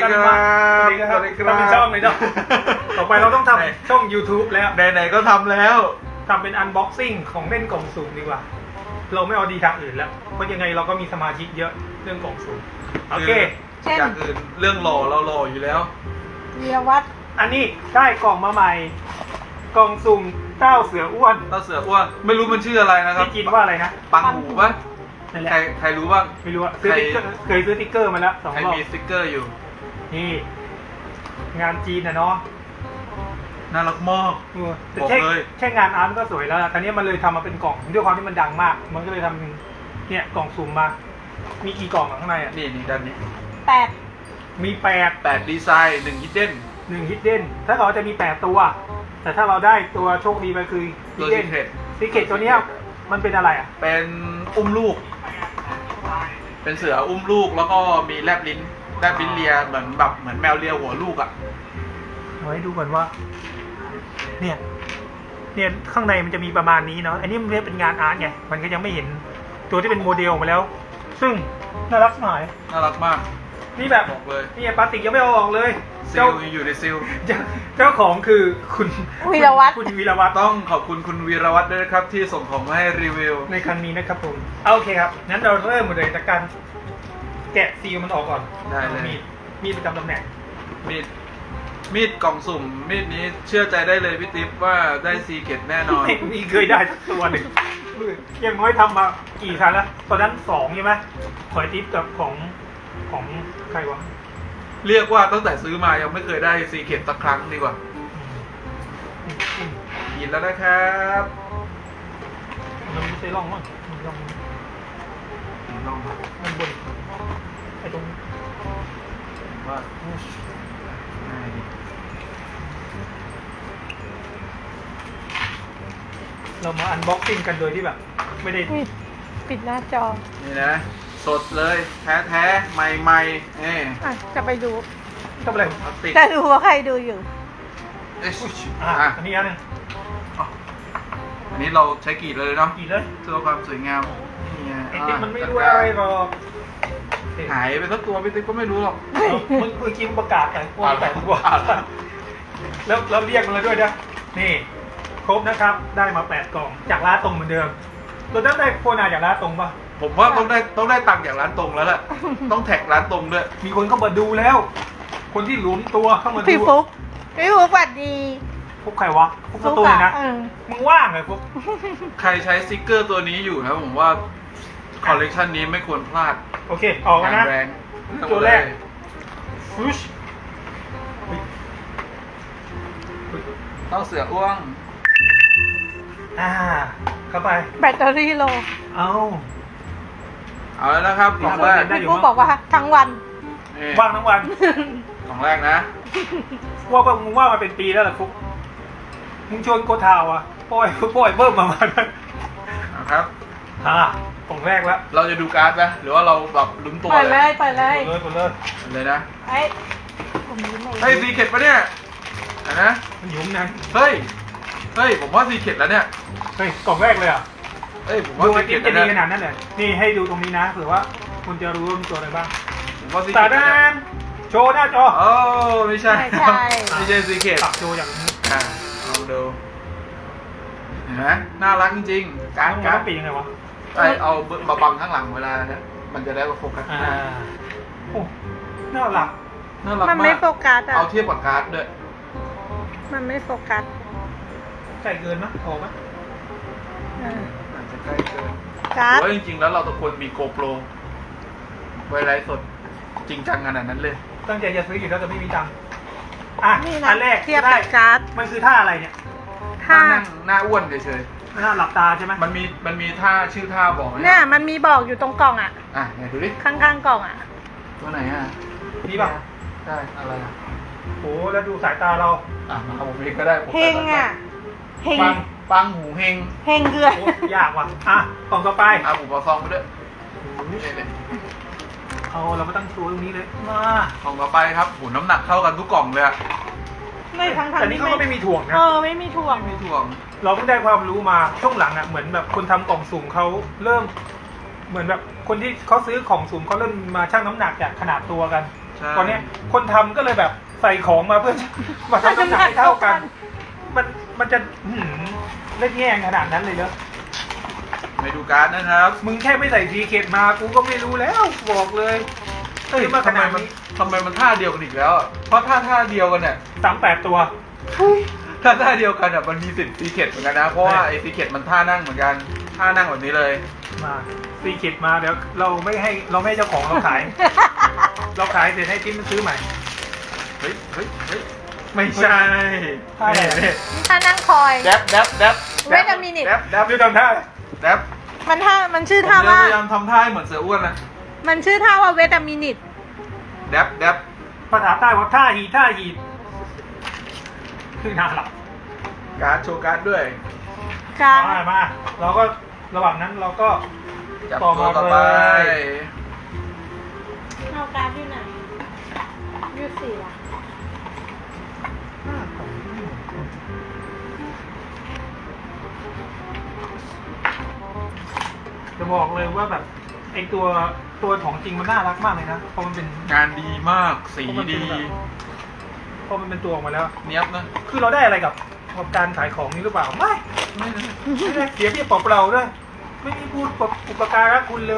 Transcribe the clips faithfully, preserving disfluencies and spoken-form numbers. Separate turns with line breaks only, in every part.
ครับสวัสดีครับทำเป็นช่องเลยเนาะต่อไปเราต้องทำช่อง ยูทูบ แล้ว
ไหนๆก็ทำแล้ว
ทำเป็นอันบ็อกซิ่งของเล่นกล่องสุ่มดีกว่าเราไม่เอาดีทางอื่นแล้วเพราะยังไงเราก็มีสมาชิกเยอะเรื่องกล่องสุ่มโอเค
อย่างอื่นเรื่องหล่อเราหล่ออยู่แล้ว
วีรวัฒน์
อันนี้ได้กล่องมาใหม่กล่องสุ่มเต้าเสืออ้วน
เต้าเสืออ้วนไม่รู้มันชื่ออะไรนะครับ
ที่กินว่าอะไรนะ
ปังหูปะใครใครรู้บ้าง
ไม่รู้อะซื้อติ๊กเกอร์เคยซื้อติ๊กเกอร์มาแล้วสองรอบ
ใครมีสติ๊กเกอร์อยู่
นี่งานจีนนะเนาะ
น่ารักมาก
แต่แค่แค่งานอาร์ตก็สวยแล้วตอนนี้มันเลยทำมาเป็นกล่องด้วยความที่มันดังมากมันก็เลยทำเนี่ยกล่องสุ่มมามีกี่กล่องข้างในอ่ะ
นี่นี่ด้านนี้
แปด
มีแปด
แปดดีไซน์หนึ่งฮิดเด้น
หนึ่งฮิดเด้นถ้าเราจะมีแปดตัวแต่ถ้าเราได้ตัวโชคดีไปคือ
ฮิดเด้น
ซีเคทตัวนี้มันเป็นอะไรอ่ะ
เป็นอุ้มลูกเป็นเสืออุ้มลูกแล้วก็มีแลบลิ้นแลบลิ้นเลียเหมือนแบบเหมือนแมวเลียหัวลูกอ่ะ
เอาให้ดูก่อนว่าเนี่ยเนี่ยข้างในมันจะมีประมาณนี้เนาะอันนี้มันเป็นงานอาร์ตไงมันก็ยังไม่เห็นตัวที่เป็นโมเดลมาแล้วซึ่งน่ารักหน่อย
น่ารักมาก
นี่แบบ
บอกเลย
นี่พลาสติกยังไม่เอาออกเลย
ซิลอยู่ในซิล
เจ้าของคือคุณ
วีรวัฒน์
คุณวีรวัฒน์
ต้องขอบคุณคุณวีรวัฒน์ด้วยนะครับที่ส่งของมาให้รีวิว
ในครั้งนี้นะครับผมโอเคครับงั้นเราเริ่มเลยจากการแกะซีลมันออกก่อน
ได้เลย
มีดมีดประจำตำแหน่ง
มีดมีดกล่องสุ่มมีดนี้เชื่อใจได้เลยพี่ติ๊บว่าได้ซีเกตแน่นอน
มีเคยได้สักตัวหนึ่งยังน้อยทำมากี่ครั้งแล้วตอนนั้นสองใช่ไหมขอยติ๊บกับของของใครวะ
เรียกว่าตั้งแต่ซื้อมายังไม่เคยได้ซีเกตสักครั้งดีกว่ากินแล้วนะครับ
มันไม่ใช่ร่องมั้งร่อง
ร่อง
มันบนไอ้ตรง
ว่า
เรามาอันบ็อกซิ่งกันโดยที่แบบไม่ได้
ปิดหน้าจอ
นี่นะสดเลยแท้แท้ใหม่ใหม่เอ๊
ะจะไปดู
ทำอะไร
จะดูว่าใครดูอยู่
เอ๊ะ
อ่ะอันนี้อันนึง
อันนี้เราใช้กรีดเลยเนาะ
กรีดเลย
เพื่อความสวยงาม
นี่ไอ้ติ๊กมันไม่รู้อะไรหรอก
หายไปสักตัวพี่ติ๊กก็ไม่รู้หรอก
มึงคือคิมประกาศแต่ว่าแต่ตัวแล้วแล้วเรียกมันเลยด้วยนะนี่ครบนะครับได้มาแปดกล่องจากร้านตรงเหมือนเดิมเราต้องได้โคนาจากร้านตรงป่ะ
ผมว่าต้องได้ต้องได้ตังค์จากร้านตรงแล้วแหละต้องแท็กร้านตรงด้วย
มีคนเข้ามาดูแล้วคนที่หลุมตัวเข้ามาดู
พี่ฟุ๊กพี่ฟุ๊กสวัสดี
ฟุ๊กใครวะฟุ๊กตัวนะมึงว่างเลยฟุ๊ก
ใครใช้สติ๊กเกอร์ตัวนี้อยู่นะผมว่าคอลเลกชันนี้ไม่ควรพลาด
โอเคออกนะตัวแรกฟุช
เต้าเสืออ้วง
อ่าเข้าไป
แบตเตอรี่โล
เอา
เอาแล้วนะครับของแรก
พี่ฟุ๊กบอกว่าทั้งวัน
ว่างทั้งวัน
ของแรกนะ
ว่าก็มึงว่ามาเป็นปีแล้วล่ะฟุ๊กมึงชวนโกทาวอ่ะปล่อยปล่อยเบิ่มมามา
นะครับ
อ่าของแรกแล้ว
เราจะดูการ์ดไหมหรือว่าเราแบบลุ้นตัว
ไปเลยไปเลย
ไปเลยไปเลย
เลยนะ
ไอ้
ไอ้ซีเกตปะเนี่ยนะ
มันยุ่งนะ
เฮ้ยเฮ้ยผมว่าซีเกตแล้วเนี่ย
เฮ้ยกล่องแรกเลยอ่ะ
เฮ้ยผมว่าซีเกต
จะดีขนาดนั้นเลยนี่ให้ดูตรงนี้นะเผื่อว่าคุณจะรู้ว่ามีตัวอะไรบ้าง
ผมว่าซีเก
ตตานโชว์หน้าจอ
โอ้ไม่ใช่
ไม่ใช่
ไม่ใช่ซีเกต
ตักโชว์อย่างนี้
อ่าลองดูเห็นไหมน่ารักจริงๆการ์ด
การ์ดปียังไงวะ
ไอเอาบะบังข้างหลังเวลาเนี่ยมันจะได้โฟกัส
อ่าโอ้น่ารัก
น่ารักมาก
มันไม่โฟกัสอ่ะ
เอาเทียบกับการ์ดด้วย
มันไม่โฟกัส
ใกล้เกินมั้ยพอมั้ย
อาจจะใกล้เกิน
การ์ด
ว่าจริงๆแล้วเราทุกคนมีโกโปรไว้ไลฟ์สดจริงจังขนาดนั้นเลย
ตั้งใจจะซื้ออยู่แล้วแต่ไม่มีตังค์อ่ะอันแรก
เทียบกับการ์ด
มันคือท่าอะไรเนี่ย
ท่านั่งหน้าอ้วนเฉย
ๆหน้าหลับตาใช่ไหม
มันมีมันมีท่าชื่อท่าบอก
เนี่ยมันมีบอกอยู่ตรงกล่องอ่ะ
อ่ะไหนดูดิ
ข้างๆกล่องอ่ะ
ตัวไหนอ่ะ
นี่ป่ะ
ใช่อะไรอ่ะ
โอ้แล้วดูสายตาเรา
อ่ะมาผมเองก็ได้
เฮงอ่ะ
เฮงปังหูเฮง
เฮงเกลื
อยากว่ะอ่ะกล่องต่อไป
อ่ะผมเอาซองไปด้วย
เอาเราไม่ตั้งตัวตรงนี้เลยมาก
ล่องต่อไปครับโหน้ำหนักเท่ากันทุกกล่องเลยอะ
ไม่ทั้งทั้ง
แต่นี่เขาก็ไม่มีถ่วงนะ
เออไม่มีถ่วง
ไม่มีถ่วง
เราเพิ่งได้ความรู้มาช่วงหลังอ่ะเหมือนแบบคนทำกล่องสุ่มเขาเริ่มเหมือนแบบคนที่เขาซื้อของสุ่มเขาเริ่มมาชั่งน้ำหนักจากขนาดตัวกัน
ใช่
ตอนเนี้ยคนทำก็เลยแบบใส่ของมาเพื่อ มาทำน้ำหนักให้เท่ากัน มันมันจะหืมเล่นแย่งขนาดนั้นเลยเหรอ
ไม่ดูการ์ดนะครับ
มึงแค่ไม่ใส่ซีเคดมากูก็ไม่รู้แล้วบอกเลย
เอ้ย
มาข
ทำไม
นาด
มัน
นี้
ทำไมมันท่าเดียวกันอีกแล้วอะเพราะท่าท่าเดียวกันเนี่ย
สามแปดตัว
ถ้าท่าเดียวกันอ่ะมันมีสิทธิ์ซีเค็ดเหมือนกันนะ เพราะว่าไอ้ซีเค็ดมันท่านั่งเหมือนกัน ท่านั่งแบบนี้เลย
มาซีเคดมาเดี๋ยวเราไม่ให้เราไม่ให้เจ้าของเรา ขาย เราขายเสร็จให้จิ้มซื้อใหม่
เฮ้ย เฮ้ย เฮ้ย ไม่ใช่
ท่าอะไร
นี่
ถ้านั่งคอย
แดบแดบแดบ
Wait a minute
แดบแดบ
ดูทำท่า
แดบ
มันท่ามันชื่อ
ผม
ท่า
จะ
ว่า
พยายามทำท่าให้เหมือนเสืออ้วนนะ
มันชื่อท่าว่าเวทามินิต
แดบแดบ
ภาษาใต้ว่าท่าหีท่าหีคือน่าหลับ
การ์ดโชว์การ์ดด้วย
การ
มามาเราก็ระหว่างนั้นเราก็
จับ
ต่อ
ตัว
มา
ต่อไป
เลย
เอาการอยู่ไหนยูสี่ละ
จะบอกเลยว่าแบบไอตัวตัวของจริงมันน่ารักมากเลยนะเพราะมันเป็น
งานดีมาก สีดี
พอมันเป็นตัวออกมาแล้ว
เนี้ยบนะ
คือเราได้อะไรกับกับการขายของนี้หรือเปล่าไม่
ไม่นะ
ไม่ได้เสียเพียบเปล่าๆด้วยไม่มีพูดปอุปการะคุณเลย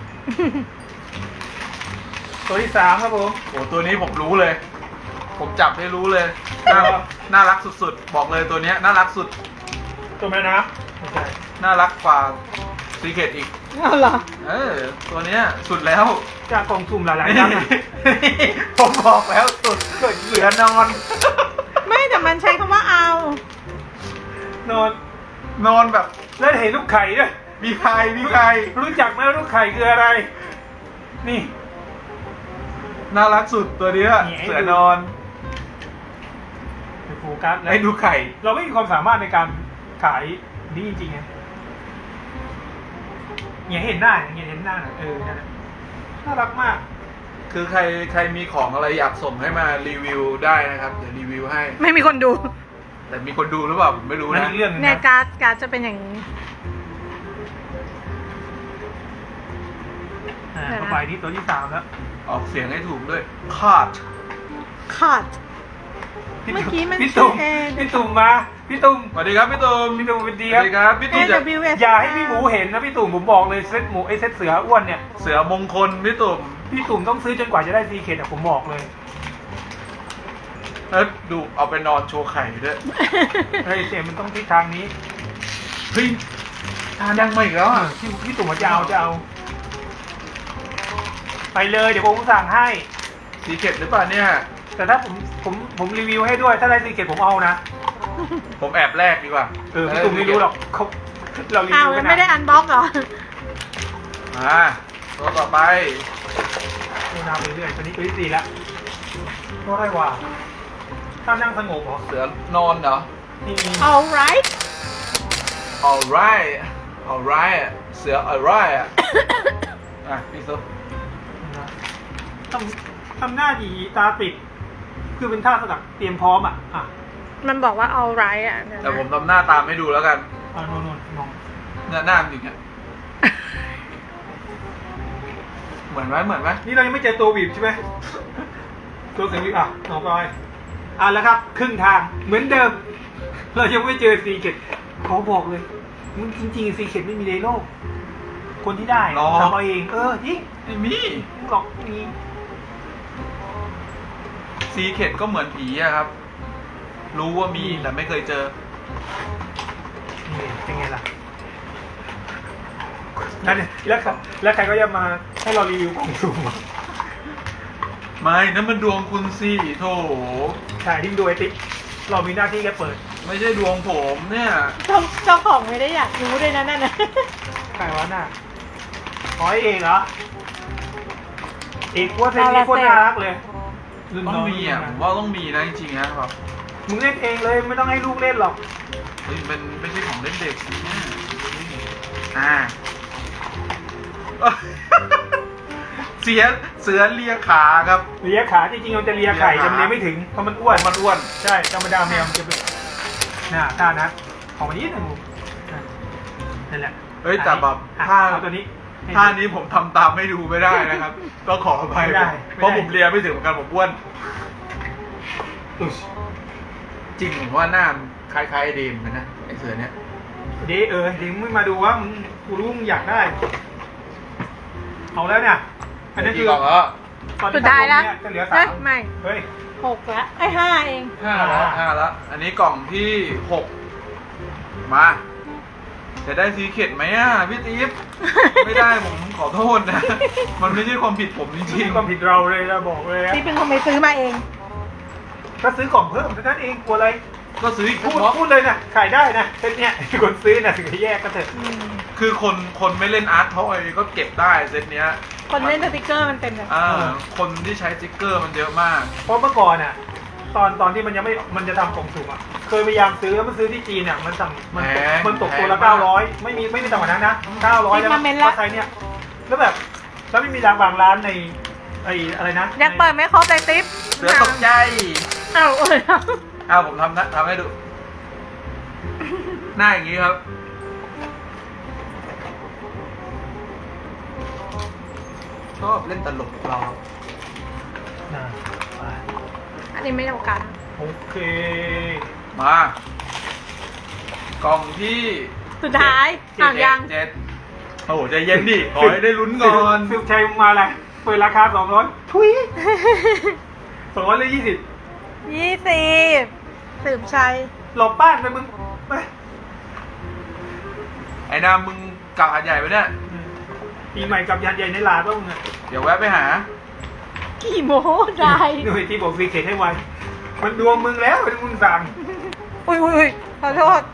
ตัวที่สามครับผม
โอ้ตัวนี้ผมรู้เลย ผมจับได้รู้เลย น่าน่ารักสุดๆ บอกเลยตัวเนี้ยน่ารักสุด
ตัวแม่น้ำไม่ใช่
น่ารักกว่าซีเค็ดอีก
เอาเหรอ
เออ ตัวเนี้ยสุดแล้ว
จากกล่องสุ่มหลายๆนัดนะ
ผมบอกแล้วสุดเสือนอน
ไม่แต่มันใช้คำว่าเอา
นอน
นอนแบบ
แล้วเห็นลูกไข่ด้วย
มีใครมีใคร
รู้จักไหมว่าลูกไข่คืออะไร นี่
น่ารักสุดตัวเนี้ย
นี่ให้ดู
เสือนอน
ไปโฟกัสแล้ว
ให้ดูไข่
เราไม่มีความสามารถในการขายนี่จริงๆไงเนี่ยเห็นหน้าเนี่ยเห็นหน้าน่ะเออนั่นแหละน่ารักมาก
คือใครใครมีของอะไรอยากส่งให้มารีวิวได้นะครับ เดี๋ยวรีวิวให้
ไม่มีคนดู
แต่มีคนดูหรือเปล่าผมไม่รู้
นั่น
นะ
อีกเรื่องหนึง
เนี่ย
นะ
การ์ดการ์ดจะเป็นอย่างนี้
อ่า
เดี๋ยวนะ
ต่อไปที่ตัวที่สามแล้ว
ออกเสียงให้ถูกด้วยคาด
ขาด
พี่
เมื่อกี้มัน
พี่ตุ่ม
ชื่อเอง
พี่ตุ่มมาพี่ตุ่ม
สวัสดีครับพี่ตูม
พี่ตุ่มเป็นดี
สวัสดีครับพี่
เอ
ตูมจะ
วเอส
อย่าให้พี่หมูเห็นนะพี่ตุ่มผมบอกเลยเซตหมูไอเซตเสืออ้วนเนี่ย
เสือมงคลพี่ตุ่ม
พี่ตุ่มต้องซื้อจนกว่าจะได้ซีเคดอะผมบอกเลย
เออดูเอาไปนอนโชว์ไข่ด้วย
เฮ้ยเสียมันต้องทิศทางนี้
เฮ้ยทานยังมาอีกแล้วอ่ะ
พี่พี่ตุ่มว่าจะเอาจะเอา ไปเลยเดี๋ยวผมสั่งให้
สีเข็ดหรือเปล่าเนี่ย
แต่ถ้าผมผมผมรีวิวให้ด้วยถ้าได้ซีเคดผมเอานะ
ผมแอบแรกดีกว่า
เออพี่ตุ่มไม่รู้หรอกเขาเรารี
อ้าว
วิว
แล้
กั
วน ไม่ได้
นะ
อันบ็อกเหรอ
อ่าตัวต่อไป
ดูนาไปเรื่อยตัวนี้ตัวที่สี่แล้วก็ได้ว่าถ้านั่งสงบเหรอ
เสือนอนเหรอ
นี่
alright
alright alright เสือ alright อ่ะ อ่ะพี่ซุป
ทำทำหน้าดีตาปิด คือเป็นท่าสกัดเตรียมพร้อมอ่ะอ่ะ
มันบอกว่า alright อ่ะเดี๋ยวนะ
แต่ผมทำหน้าตามให้ดูแล้วกัน
อ่ะโน่นโน่นมอง
หน้าหน้ามันอย่างเงี้ยเหมือนไหมเหมือนไหม
นี่เรายังไม่เจอตัวบีบใช่ไหมตัวเสียงบีบอ่ะต่อไปอ่ะแล้วครับ ครึ่งทางเหมือนเดิม เรายังไม่เจอซีเกตขอบอกเลยมึงจริงๆซีเกตไม่มีในโลก คนที่ได้ทำเอาเอง เออจริง
ไม่มี
มึงหลอกไม่มี
ซีเข็ดก็เหมือนผีอะครับ รู้ว่ามีแต่ไม่เคยเจอ
นี่เป็นไงล่ะนั่นเนี่ยแล้วใครแล้วใครก็จะมาให้เรารีวิวกล่องสุ่มอ่ะ
ไม่นั่นมันดวงคุณสิโถ
ใช่ที่ดูไอติ๊กเรามีหน้าที่แค่เปิด
ไม่ใช่ดวงผมเนี่ย
เจ้าเจ้าของไม่ได้อยากรู้ด้วยนะนั่นนะ
ใครวะน่ะอ๋อไอ้เอกเหรอ เอกว่าเซนนี้โคตรน่ารักเลยรุ่น
ต้อง
น้
มีอ่ะผมว่าต้องมีนะจริงๆนะแบบ
มึงเล่นเองเลยไม่ต้องให้ลูกเล่นหรอก
เฮ้ยเป็นไม่ใช่ของเล่นเด็กเนี่ยอ่า เสียเสือเลียขาครับ
เลียขาจริงๆมันจะเลียไข่แต่มันเลียไม่ถึงเพราะมันอ้วน
มันอ้วน
ใช่ธรรมดาแมวมันจะเป็นน่าท่านะของมันนิดหนึ่งนั่นแหละ
เฮ้ยแต่แบบ
อ่ะ
ถ้า
เอาตัวนี้
ท่านี้ผมทำตามไม่ดูไม่ได้นะครับ ก็ขออภัย
ไม่ได้
เพราะ
ไม่ได้
ผมเรียนไม่ถึงเหมือนกันผมอ้วนอุ๊ยจริงผมว่าหน้ามันคล้ายๆไอ้เดมเหมือนกันนะไอเสือเนี้ย
เดี๋ยวเออเดี๋ยวมึงมาดูว่ามึงกูรู้มึงอยากได้ เอาแล้วเนี่ย อันนี้คือ
กี่กล่องแล้ว
ตอน
สุ
นี้
ดท้ายแล้ว
เนี่ยจะเหลือ
เอ้
สาย ม
ไม่
เฮ้ย
หกละไอ้ยห้าเอง
ห้าแล้วห้าแล้ว อันนี้กล่องที่หกมา จะได้ซีเข็ดไหมอ่ะพี่ติ๊บ ไม่ได้ผมขอโทษนะ มันไม่ใช่ความผิดผมจริง
ที่ความผิดเราเลยเราบอกเลยอะ
นี่เป็นคนไปซื้อมาเอง
ถ้าซื้อกล่องเพิ่มเท่านั้นเองกลัวอะไร
ๆก็ซื้ออีก
พูด
เพราะ
พูดเลยนะขายได้นะเซตเนี้ยคนซื้อนะถึงจะแยกก็เถอะ
อืม
คือคนคนไม่เล่นอาร์ตทอยก็เก็บได้เซตเนี้ย
คนเล่นสติกเกอร์มันเป็นแบบ
อ่าคนที่ใช้สติ๊กเกอร์มันเยอะมาก
เพราะเมื่อก่อนน่ะตอนตอนที่มันยังไม่มันจะทำกล่องสุ่มอ่ะเคยพยายามซื้อแล้วมันซื้อที่จีนเนี่ยมันสั่งมัน
แพง
มันตกตัวละ
แพงมาก
เก้าร้อยไม่มีไม่มีต่ำกว่านั้นนะเก้าร้อยแล้วก็ใช้เนี่ยแล้วแบบแล้วไม่มีร้านบางร้านในไอ้อะไรนะ
ยังเปิดไม่ครบเลยติ๊บ
เสือตกใจ
เอ้าเอ้ย
เอาผมทำนะทำให้ดู หน้าอย่างนี้ครับ ชอบเล่นตลกเรา
น่ะไป
อันนี้ไม่เท่ากัน
โอเค
มา กล่องที่
สุดท้าย
เจ็
อ่า
ด
ยัง
เจ็ดโอ้โหใจเย็นดิ ขอให้ได้ลุ้นก่อน
ซิลชัยมาอะไรเปิดราคาสองร้อยทุยสองร้อยหรือยี่สิบ
ยี่สิบสืบชัย
หลบบ้านไปมึงไป
ไอ้นามมึงกลับหาดใหญ่ไปเนี่ย
อืมปีใหม่กับยันใหญ่ในลาต้องมึงอะ
เดี๋ยวแวะไปหา
กี่โมได้
หน่วยที่บอกซีเคทให้ไวมันดวงมึงแล้วเป็นมึงสั่ง
อุ้ยอุ้ยอุ้ยขอโทษ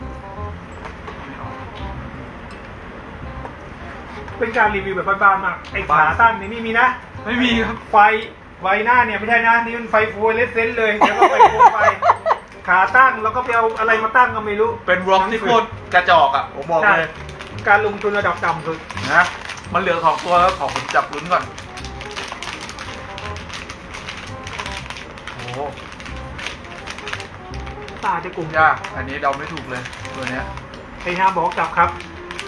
เป็นการรีวิวแบบบ้านๆมากไอ้ขาตั้งนี่ไม่มีนะ
ไม่มีครับ
ไฟไฟหน้าเนี่ยไม่ใช่นะนี่มันไฟฟูเลสเซนเลยแล้วก็ไฟฟูไฟขาตั้งแล้วก็ไปเอาอะไรมาตั้งก็ไม่รู้
เป็นวอล์กที่โคตรกระจอกอ่ะ ผมบอก
ใช่
เลย
การลงทุนระดับต่ำสุด
นะ มันเหลือสองตัวแล้วขอผมจับลุ้นก่อน โอ้โห
ตาจะกลุ่ม
ยาก อันนี้เดาไม่ถูกเลย ตัวเนี้ย
ไอ้ห้ามบอกกลับครับ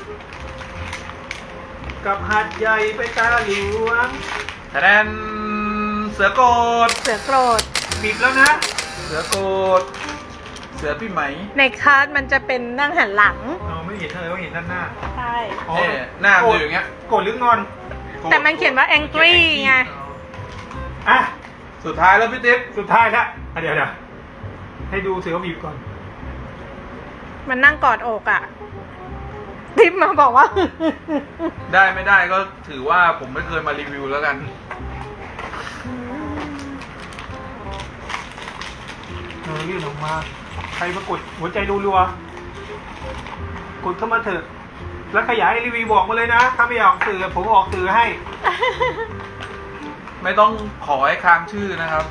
กลับหัดใหญ่ไปตาหลวง
คะแนนเสือโกด
เสือโกรธ
บิดแล้วนะ
เสือโกด เสือพี่ไหม
ในคาร์ดมันจะเป็นนั่งหันหลัง
อ๋อไม่เห็นเลยว่าเห็นด้านหน้า
ใช่
อ๋อ
เนี่ยหน้ามันอยู่อย่างเงี้ย
โกรธหรืองอน
โกรธ
แต่มันเขียนว่า angry ไง
อ่ะ
สุดท้ายแล้วพี่ติ๊บ
สุดท้ายแล้วอ่ะเดี๋ยวเดี๋ยวให้ดูเสือบีบก่อน
มันนั่งกอดอกอ่ะทิปมาบอกว่า
ได้ไม่ได้ก็ถือว่าผมไม่เคยมารีวิวแล้วกัน
เออยื่นออกมา ใครมากดหัวใจรัวๆกดเข้ามาเถอะ แล้วขยายรีวิวบอกมาเลยนะ ถ้าไม่อยากออกสื่อผมออกสื่อให้
ไม่ต้องขอให้ค้างชื่อนะครับ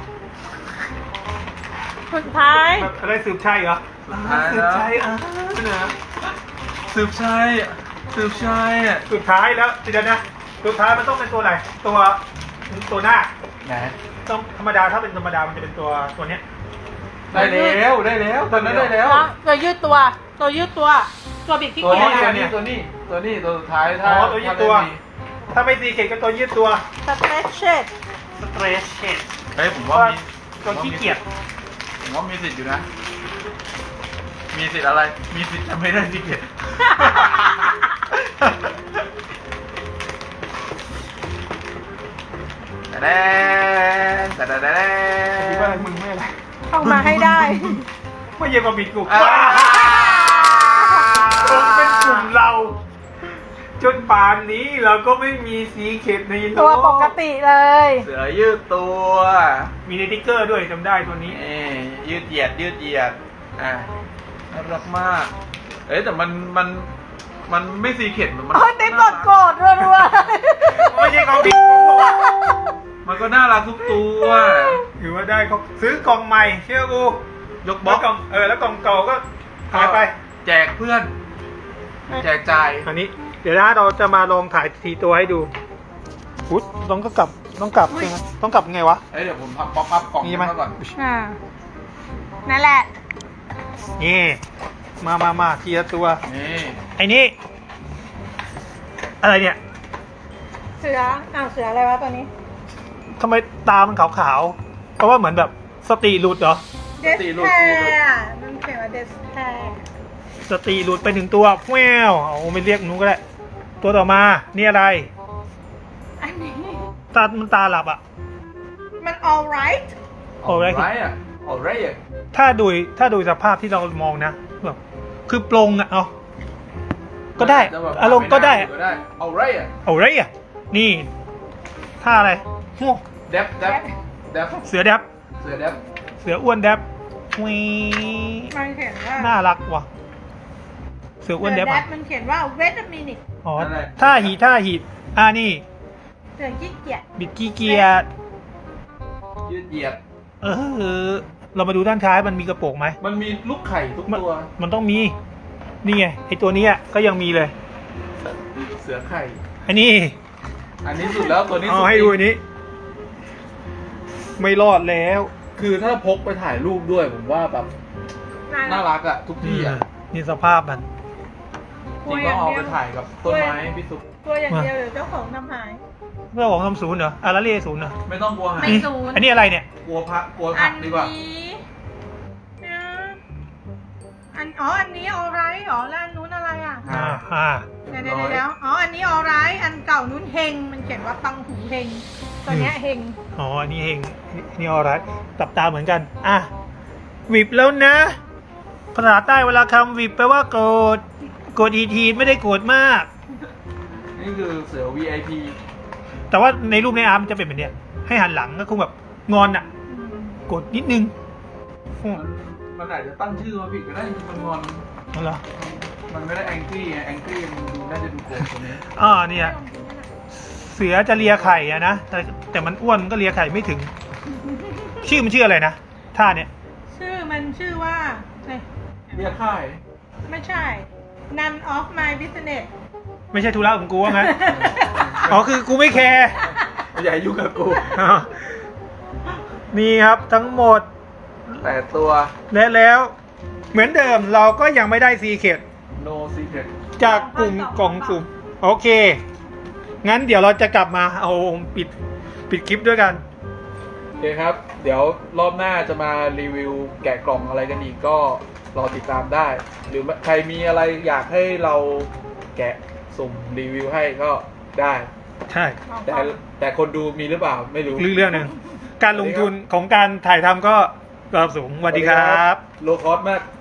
สุดท้าย
แบบอะไรสืบชัยเหรอ
สุดท้าย
สื
แล้
บ
ว
ชัยอ่ะเนอะ
สืบชัยสืบชัยอ่ะ
สุดท้ายแล้วเดี๋ยวนะ สุดท้ายมันต้องเป็นตัวอะไร ตัวตัวหน้า
ไหน
ต้องธรรมดาถ้าเป็นธรรมดามันจะเป็นตัวตัวเนี้ย
ได้แล้วได้แล้วตอนนั้นได้แล้ว
ตัวยืดตัว ตัวยืดตัว ตัวบิดที่
ตัว
เกีย
นี้
ร์
ตัวนี้ตัวนี้ตัวนี้ตัวสุดท้าย
อ๋
ถ้า
อตัวยืดตัว
ถ้าไม่มี
ถ้าไม่ซีเกตก็ตัวยืดตัว
สเตรชเชด
สเตรชเชด
เฮ้ยผมว่ามี
ตัวขี้เกียจ
ผมว่ามีสิทธิ์อยู่นะ มีสิทธิ์อะไร มีสิทธิ์จะไม่ได้สิเกต แต่แดนแต่แดน
คิดว่าอะไรมึงไม่อะไร
เข้ามาให้ได้
ไม่เยี่ยมกับบิดกู
อ่า
ผมเป็นกลุ่มเรา จนป่านนี้เราก็ไม่มีสีเข็ดในโลก
ตัวปกติเลย
เสือยืดตัว
มีในติ๊กเกอร์ด้วยจำได้ตัวนี้
นี่ยืดเหยียดยืดเหยียด อ่ะน่ารักมาก เอ้ยแต่มันมันมันไม่ซีเข็ดมัน
โอ้ยติ๊บกดโกรธรัว
ไม่ใช่ของบิดกู
มันก็น่ารักทุกตัว
ถือว่าได้เขาซื้อกล่องใหม่เชื่อกู
ยกบล็
แล้
อ
ว
ก
กล่องเออแล้วกล่องเก่าก็หายไป
แจกเพื่อน แจกจ่าย
อันนี้ เดี๋ยวนะเราจะมาลองถ่ายทีตัวให้ดูอุ๊ยต้องก็กลับต้องกลับใช่ไหมต้องกลับยังไงวะ
เอ้ยเดี๋ยวผมทำป๊อปอัพกล่อง
นี่
นี้
ไหม
มาก่อน
ๆอ่านั่นแหละ
นี่มามามาทีละตัว
นี่
ไอ้นี่อะไรเนี่ย
เสืออ้าวเสืออะไรวะตัวนี้
ทำไมตามันขาวๆ เพราะว่าเหมือนแบบสติหลุดเหรอ
เดสแพร์มันเขียนว่าเดสแพร์
สติหลุดไปถึงตัวแววเอาไม่เรียกนู้นก็ได้ ตัวต่อมา นี่อะไร
อันนี้
ตา มันตาหลับอ่ะ
มัน alright
โอ้ย
ไรอ่ะเอาไรอ่ะ
ถ้าดูถ้าดูสภาพที่เรามองนะแบบคือปรงอ่ะเอาก็ได้
จะแบบ
อารมณ์ก็ได้
ก็ได้เอาไรอ่ะ
เอาไรอ่ะ นี่ท่าอะไรโอ้
เดฟเดฟเดฟ
เสือแดบ
เสือเดฟ
เสืออ้วนแดบวี
มันเขียนว่า
น่ารักว่ะ เสืออ้วนแดบ
เสื
อ่ะ
มันเขียนว่า wait a minute
อ๋อท่าหีท่าหีอ่านี่
เสือขี้เกียจ
บิดกี้เกียร์
ยืดเหยียด
เออ เรามาดูด้านท้ายมันมีกระโปรงไหม
มันมีลูกไข่ทุก
มัน
ตัว
มันต้องมี นี่ไงไอตัวเนี้ยก็ยังมีเลย
เสือไข่
อันนี้
อันนี้สุดแล้วตัวนี้
เอา
สุด
ให้ดูอันนี้ ไม่รอดแล้ว
คือถ้าพกไปถ่ายรูปด้วยผมว่าแบบน่ารักอ่ะ ทุกที่อ่ะ
นี่สภาพมัน
จริงก็เอาไปถ่ายกับต้นไม้พี่ซุป
ตัวอย่างเดียวหรือเจ้าของทำหาย
เรื่องของทำศูนย์เหรออาราเล่ศูนย์เหรอ
ไม่ต้องกลัวหาย
ไม่ศูนย์
อันนี้อะไรเนี่ย
กลัวพักกลัว
อั
ผั
น
กดีกว่า
นี้นะอันอ๋ออันนี้ alright อ๋อแล้วอันนู้นอะไรอ่ะ
อ่าอ่า
เดี๋ยวเดี๋ยวเดี๋ยวอ๋ออันนี้ alright อันเก่านู้นเฮงมันเขียนว่าตังหูเฮงตัวเนี้ยเฮง
อ๋ออันนี้เองนี่ออไรตับตาเหมือนกัน อ่ะวิบแล้วนะภาษาใต้เวลาคำวิบแปลว่าโกรธโกรธอีทีไม่ได้โกรธมาก
นี่คือเสือ วี ไอ พี
แต่ว่าในรูปในอาร์มมันจะเป็นแบบเนี้ยให้หันหลังก็คงแบบงอนอ่ะ
อืม
โกรธนิดนึงอืม
มันมันอาจจะตั้งชื่อมาผิดก็ได้จริงๆมันงอน
นั่นเหรอ
มันไม่ได้แองกี้ไงแองกี้มันดูน่าจะดูโกรธตัวนี้
อ่าเนี่ยเสือจะเลียไข่อะนะแต่แต่มันอ้วนมันก็เลียไข่ไม่ถึง ชื่อมันชื่ออะไรนะท่าเนี่ย
ชื่อมันชื่อว่าเอ้ย
เรียกค่าย
ไม่ใช่ none of my business
ไม่ใช่ธุระของกูว่างั้น อ๋อคือกูไม่แคร์
อย่ายุ่งกับกู
อ๋อนี่ครับทั้งหมด
แปดตัว
และแล้ว เหมือนเดิมเราก็ยังไม่ได้ซีเคด
no secret
จากกลุ่มกล่องสุ่มโอเค งั้นเดี๋ยวเราจะกลับมาเอาปิดปิดคลิปด้วยกัน
โอเคครับ เดี๋ยวรอบหน้าจะมารีวิวแกะกล่องอะไรกันอีกก็รอติดตามได้ หรือใครมีอะไรอยากให้เราแกะสุ่มรีวิวให้ก็ได้
ใช่
แต่แต่คนดูมีหรือเปล่าไม่รู้
เรื่องหนึ่งการลงทุนของการถ่ายทำก็ระดับสูงสวัสดีครับ
โลคอสมาก